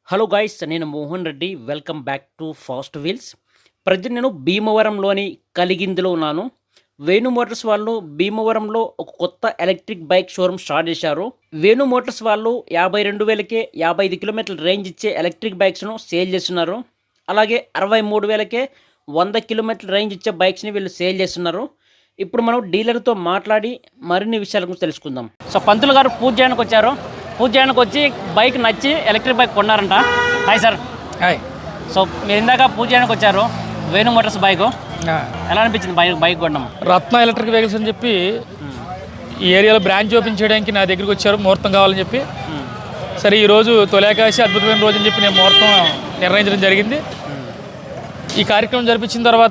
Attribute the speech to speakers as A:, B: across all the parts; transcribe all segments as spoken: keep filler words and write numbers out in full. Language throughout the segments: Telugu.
A: హలో గాయ్స్, నేను Mohan Reddy. Welcome back to fast wheels. Present నేను భీమవరంలోని కలిగిందిలో ఉన్నాను. వేణు మోటార్స్ వాళ్ళు భీమవరంలో ఒక కొత్త ఎలక్ట్రిక్ బైక్ షోరూమ్ స్టార్ట్ చేశారు. వేణు మోటార్స్ వాళ్ళు యాభై రెండు వేలకే యాభై ఐదు కిలోమీటర్ల రేంజ్ ఇచ్చే ఎలక్ట్రిక్ బైక్స్ను సేల్ చేస్తున్నారు. అలాగే అరవై మూడు వేలకే వంద కిలోమీటర్ల రేంజ్ ఇచ్చే బైక్స్ని వీళ్ళు సేల్ చేస్తున్నారు. ఇప్పుడు మనం డీలర్తో మాట్లాడి మరిన్ని విషయాల గురించి తెలుసుకుందాం. సో పంతులు గారు పూజ చేయడానికి వచ్చారు. పూజ చేయడానికి వచ్చి బైక్ నచ్చి ఎలక్ట్రిక్ బైక్ కొన్నారంట. Hi sir.
B: హాయ్.
A: సో మీరు ఇందాక పూజ చేయడానికి వచ్చారు, వేణు మోటార్స్ బైక్ ఎలా అనిపించింది బైక్ బైక్ కొన్నాం?
B: రత్న ఎలక్ట్రిక్ వెహికల్స్ అని చెప్పి ఈ ఏరియాలో బ్రాంచ్ ఓపెన్ చేయడానికి నా దగ్గరికి వచ్చారు, ముహూర్తం కావాలని చెప్పి. సరే ఈరోజు తొలేకాశి అద్భుతమైన రోజు అని చెప్పి నేను ముహూర్తం నిర్ణయించడం జరిగింది. ఈ కార్యక్రమం జరిపించిన తర్వాత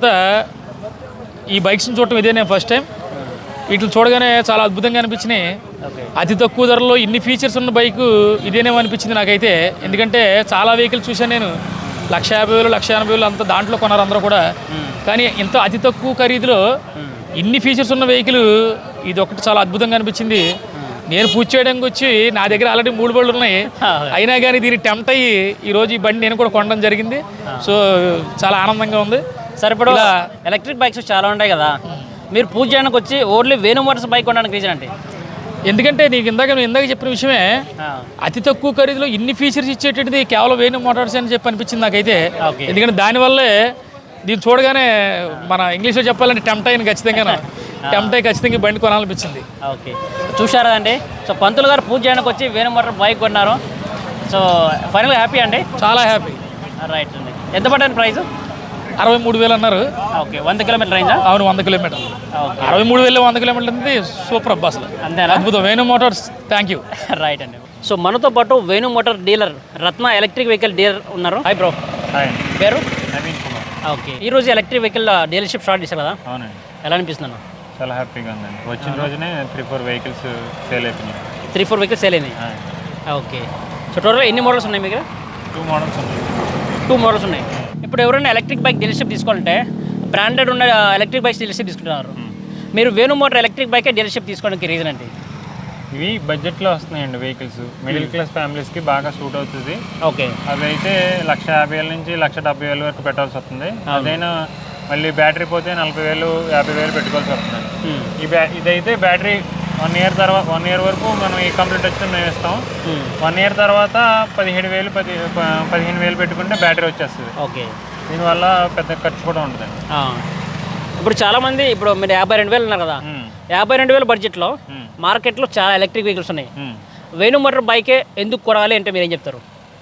B: ఈ బైక్స్ని చూడటం ఇదే నేను ఫస్ట్ టైం. వీటిని చూడగానే చాలా అద్భుతంగా అనిపించినాయి. అతి తక్కువ ధరలో ఇన్ని ఫీచర్స్ ఉన్న బైకు ఇదేనేమో అనిపించింది నాకైతే. ఎందుకంటే చాలా వెహికల్స్ చూశాను నేను, లక్ష యాభై వేలు లక్ష ఎనభై వేలు అంత దాంట్లో కొన్నారు అందరూ కూడా. కానీ ఇంత అతి తక్కువ ఖరీదులో ఇన్ని ఫీచర్స్ ఉన్న వెహికల్ ఇది ఒకటి చాలా అద్భుతంగా అనిపించింది. నేను పూజ చేయడానికి వచ్చి నా దగ్గర ఆల్రెడీ మూడు బళ్ళు ఉన్నాయి, అయినా కానీ దీన్ని టెంప్ట్ అయ్యి ఈరోజు ఈ బండి నేను కూడా కొనడం జరిగింది. సో చాలా ఆనందంగా ఉంది.
A: సరే, ఇప్పుడు ఎలక్ట్రిక్ బైక్స్ చాలా ఉంటాయి కదా, మీరు పూజ చేయడానికి వచ్చి ఓన్లీ వేణు మోటార్స్ బైక్ కొనడానికి రీజన్ అంటే?
B: ఎందుకంటే నీకు ఇందాక నువ్వు ఇందాక చెప్పిన విషయమే, అతి తక్కువ ఖరీదులో ఇన్ని ఫీచర్స్ ఇచ్చేటది కేవలం వేణు మోటార్స్ అని చెప్పి అనిపించింది నాకైతే. ఎందుకంటే దానివల్లే దీన్ని చూడగానే మన ఇంగ్లీష్లో చెప్పాలంటే టెంప్ట్ అయ్యింది ఖచ్చితంగా. టెంప్ట్ అయ్యి ఖచ్చితంగా బండి కొనాలనిపించింది.
A: ఓకే, చూసారా అండి. సో పంతులు గారు పూజ చేయడానికి వచ్చి వేణు మోటార్ బైక్ కొన్నారు. సో ఫైనల్గా హ్యాపీ అండి?
B: చాలా హ్యాపీ.
A: రైట్ అండి. ఎంత పడ్డాను ప్రైస్?
B: అరవై మూడు వేలు అన్నారు.
A: ఓకే, వంద కిలోమీటర్ రేంజా?
B: అవును, వంద కిలోమీటర్లు. అరవై మూడు వేలు వంద కిలోమీటర్లు ఉంది. సూపర్ అబ్బా, అసలు
A: అంతేనా?
B: అద్భుతం. Venu motors, thank you.
A: Right అండి. సో మనతో పాటు Venu motor dealer Ratna electric vehicle dealer ఉన్నారు. Hi bro.
C: హాయ్.
A: పేరు?
C: నవీన్ కుమార్.
A: ఓకే, ఈ రోజు ఎలక్ట్రిక్ వెహికల్ డీలర్షిప్ స్టార్ట్ చేశారు కదా?
C: అవునండి.
A: ఎలా అనిపిస్తున్నాను?
C: చాలా హ్యాపీగా ఉందండి. వచ్చిన రోజునే త్రీ ఫోర్ వెహికల్స్ సేల్ అయిపోయినాయి.
A: త్రీ ఫోర్ వెహికల్స్ సేల్ అయినాయి. ఓకే, సో టోటల్గా ఎన్ని మోడల్స్ ఉన్నాయి మీ దగ్గర?
C: టూ మోడల్స్ ఉన్నాయి.
A: టూ మోడల్స్ ఉన్నాయి. ఇప్పుడు ఎవరైనా ఎలక్ట్రిక్ బైక్ డీలర్షిప్ తీసుకోవాలంటే బ్రాండెడ్ ఉన్న ఎలక్ట్రిక్ బైక్స్ డీలర్షిప్ తీసుకుంటున్నారు. మీరు Venu motor electric bike dealership తీసుకోవడానికి రీజన్ ఏంటి?
C: ఇవి బడ్జెట్లో వస్తున్నాయండి వెహికల్స్. మిడిల్ క్లాస్ ఫ్యామిలీస్కి బాగా సూట్ అవుతుంది.
A: ఓకే,
C: అవి అయితే లక్ష యాభై వేల నుంచి లక్ష డెబ్బై వేల వరకు పెట్టాల్సి వస్తుంది. అదైనా మళ్ళీ బ్యాటరీ పోతే నలభై వేలు యాభై వేలు పెట్టుకోవాల్సి వస్తుంది. ఈ బ్యా ఇదైతే బ్యాటరీ వన్ ఇయర్ తర్వాత వన్ ఇయర్ వరకు మనం ఈ కంప్లీట్ వచ్చిన మేము ఇస్తాం. వన్ ఇయర్ తర్వాత పదిహేడు వేలు పది పదిహేను వేలు పెట్టుకుంటే బ్యాటరీ వచ్చేస్తుంది.
A: ఓకే,
C: దీనివల్ల పెద్ద ఖర్చు కూడా ఉంటుందండి.
A: ఇప్పుడు చాలామంది, ఇప్పుడు మీరు యాభై రెండు వేలు ఉన్నారు కదా, యాభై రెండు వేల బడ్జెట్లో మార్కెట్లో చాలా ఎలక్ట్రిక్ వెహికల్స్ ఉన్నాయి. వేణు మోటార్ బైకే ఎందుకు కొనాలి అంటే మీరు ఏం చెప్తారు?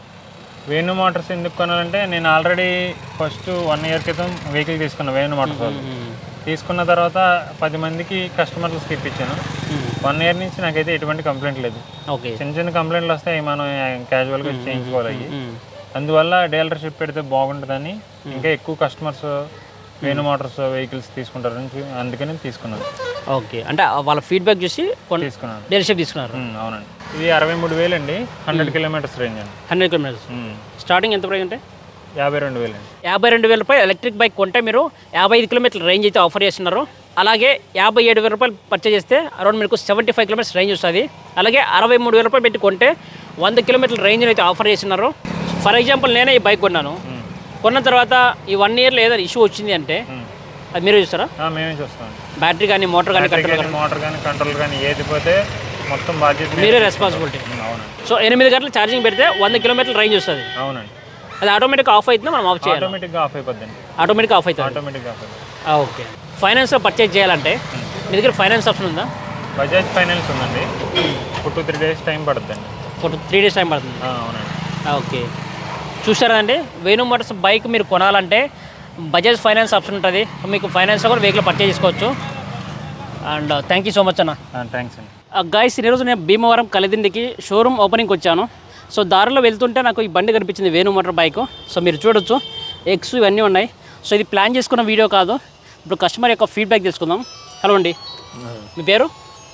C: వేణు మోటార్స్ ఎందుకు కొనాలంటే, నేను ఆల్రెడీ ఫస్ట్ వన్ ఇయర్ క్రితం వెహికల్ తీసుకున్నాను వేణు మోటార్స్ వాళ్ళు. తీసుకున్న తర్వాత పది మందికి కస్టమర్లకు ఇప్పించాను. వన్ ఇయర్ నుంచి నాకైతే ఎటువంటి కంప్లైంట్ లేదు.
A: ఓకే,
C: చిన్న చిన్న కంప్లైంట్లు వస్తాయి, మనం క్యాజువల్గా చేయించుకోవాలి. అందువల్ల డీలర్షిప్ పెడితే బాగుంటుందని ఇంకా ఎక్కువ కస్టమర్స్ వేణు మోటార్స్ వెహికల్స్ తీసుకుంటారు, అందుకని తీసుకున్నాను.
A: ఓకే, అంటే వాళ్ళ ఫీడ్బ్యాక్ చూసి
C: తీసుకున్నాను,
A: డీలర్షిప్ తీసుకున్నారు.
C: అవునండి. ఇది అరవై మూడు వేలు అండి, హండ్రెడ్ కిలోమీటర్స్ రేంజ్ అండి.
A: హండ్రెడ్ కిలోమీటర్స్ స్టార్టింగ్ ఎంత ప్రైస్ అంటే?
C: యాభై రెండు వేలు అండి.
A: యాభై రెండు వేల రూపాయలు ఎలక్ట్రిక్ బైక్ కొంటే మీరు యాభై ఐదు కిలోమీటర్ల రేంజ్ అయితే ఆఫర్ చేస్తున్నారు. అలాగే యాభై ఏడు వేల రూపాయలు పర్చేజ్ చేస్తే అరౌండ్ మీకు సెవెంటీ ఫైవ్ కిలోమీటర్స్ రేంజ్ వస్తుంది. అలాగే అరవై మూడు వేల రూపాయలు పెట్టి కొంటే వంద కిలోమీటర్ల రేంజ్ అయితే ఆఫర్ చేస్తున్నారు. ఫర్ ఎగ్జాంపుల్ నేనే ఈ బైక్ కొన్నాను. కొన్న తర్వాత ఈ వన్ ఇయర్లో ఏదైనా ఇష్యూ వచ్చింది అంటే అది మీరే చూస్తారా?
C: మేమే చూస్తాం.
A: బ్యాటరీ కానీ మోటార్ కానీ కంట్రోల్
C: మోటార్ కానీ కంట్రోల్ కానీ ఏది పోతే మొత్తం బాధ్యత
A: మీరే రెస్పాన్సిబిలిటీ.
C: అవునండి.
A: సో ఎనిమిది గంటలు ఛార్జింగ్ పెడితే వంద కిలోమీటర్ల రేంజ్ వస్తుంది.
C: అవునండి.
A: అది ఆటోమేటిక్గా ఆఫ్ అవుతుందా, మనం ఆఫ్ చేయాలి?
C: ఆటోమేటిక్గా ఆఫ్ అయిపోద్దండి.
A: ఆటోమేటిక్గా ఆఫ్ అవుతుంది.
C: ఆటోమేటిక్గా ఆఫ్ అయిపోతుంది.
A: ఓకే, ఫైనాన్స్లో పర్చేజ్ చేయాలంటే మీ దగ్గర ఫైనాన్స్ ఆప్షన్ ఉందా?
C: బజాజ్ ఫైనాన్స్ ఉందండి. ఒక టూ త్రీ డేస్ టైం పడుతుందండి.
A: ఒక త్రీ డేస్ టైం పడుతుంది.
C: అవునండి.
A: ఓకే, చూసారా అండి. వేణు మోటార్స్ బైక్ మీరు కొనాలంటే బజాజ్ ఫైనాన్స్ ఆప్షన్ ఉంటుంది. మీకు ఫైనాన్స్లో కూడా వెహికల్ పర్చేజ్ చేసుకోవచ్చు. And thank you so much అన్న.
C: థ్యాంక్స్ అండి.
A: గాయస్, ఈరోజు నేను భీమవరం కలిదిండికి షోరూమ్ ఓపెనింగ్కి వచ్చాను. సో దారిలో వెళ్తుంటే నాకు ఈ బండి కనిపించింది, వేణు మోటార్ బైక్. సో మీరు చూడొచ్చు, ఎగ్స్ ఇవన్నీ ఉన్నాయి. సో ఇది ప్లాన్ చేసుకున్న వీడియో కాదు. ఇప్పుడు కస్టమర్ యొక్క ఫీడ్బ్యాక్ తెలుసుకుందాం. హలో అండి, మీ పేరు?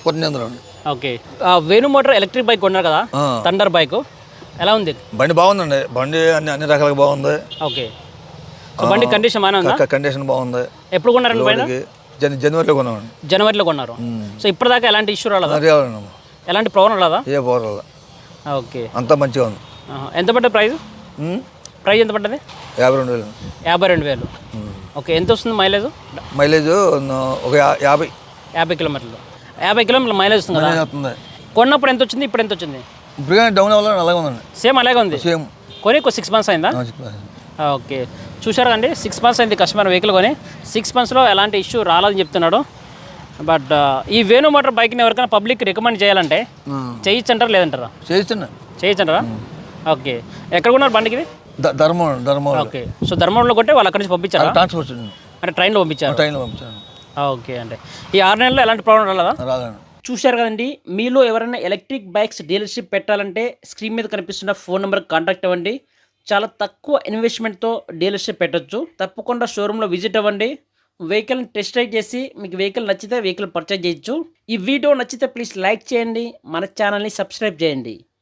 A: Okay, Venu motor electric bike కొన్నారు కదా, థండర్ బైక్, ఎలా ఉంది?
D: బండి బాగుందండి. బండి అన్ని అన్ని రకాలుగా బాగుంది.
A: ఓకే, సో బండి కండిషన్ బాగానే ఉందా?
D: కండిషన్ బాగుంది.
A: ఎప్పుడు కొన్నారండి బండి?
D: జనవరిలో కొన్నామండి.
A: జనవరిలో కొన్నారు. సో ఇప్పటిదాకా ఎలాంటి ఇష్యూ రాలేదా?
D: రాలేదమ్మా.
A: ఎలాంటి ప్రాబ్లం రాలేదా?
D: ఏ ప్రాబ్లం రాలేదు.
A: ఓకే,
D: అంతా మంచిగా ఉంది.
A: ఎంత పడ్డ ప్రైస్?
D: ఉమ్,
A: ప్రైస్ ఎంత పడ్డది?
D: యాభై రెండు వేలు
A: యాభై రెండు వేలు ఓకే. ఎంత వస్తుంది మైలేజ్?
D: మైలేజ్ ఒక యా- యాభై
A: యాభై కిలోమీటర్లు యాభై కిలోమీటర్ల మైలేజ్ వస్తుంది కదా.
D: మైలేజ్ వస్తుంది.
A: కొన్నప్పుడు ఎంత వచ్చింది, ఇప్పుడు ఎంత వచ్చింది?
D: ఇప్పుడు కానీ డౌన్ అవ్వాలని అలాగే ఉందండి.
A: సేమ్ అలాగే ఉంది.
D: సేమ్
A: కొని సిక్స్ మంత్స్ అయిందా? ఓకే, చూశారు అండి, సిక్స్ మంత్స్ అయింది కస్టమర్ వెహికల్ కొని. సిక్స్ మంత్స్లో ఎలాంటి ఇష్యూ రాలేదని చెప్తున్నాడు. బట్ ఈ వేణు మోటార్ బైక్ని ఎవరికైనా పబ్లిక్ రికమెండ్ చేయాలంటే చేయొచ్చు అంటారా లేదంటారా?
D: చేయిస్తున్నా.
A: చేయొచ్చు అంటారా? ఓకే, ఎక్కడ కొన్నారు బండికి ఇది?
D: ధర్మం ధర్మం
A: ఓకే, సో ధర్మంలో కొట్టే వాళ్ళు అక్కడి నుంచి పంపించారా?
D: ట్రాన్స్పోర్ట్
A: అంటే ట్రైన్లో పంపించారు.
D: ట్రైన్లో పంపించాను.
A: ఓకే అండి, ఈ ఆరు నెలల్లో ఎలాంటి ప్రాబ్లం రాలేదా?
D: రాదండి.
A: చూశారు కదండి, మీలో ఎవరైనా ఎలక్ట్రిక్ బైక్స్ డీలర్షిప్ పెట్టాలంటే స్క్రీన్ మీద కనిపిస్తున్న ఫోన్ నెంబర్కి కాంటాక్ట్ అవ్వండి. చాలా తక్కువ ఇన్వెస్ట్మెంట్తో డీలర్షిప్ పెట్టొచ్చు. తప్పకుండా షోరూంలో విజిట్ అవ్వండి. వెహికల్ని టెస్ట్ రైడ్ చేసి మీకు వెహికల్ నచ్చితే వెహికల్ పర్చేజ్ చేయొచ్చు. ఈ వీడియో నచ్చితే ప్లీజ్ లైక్ చేయండి, మన ఛానల్ని సబ్స్క్రైబ్ చేయండి.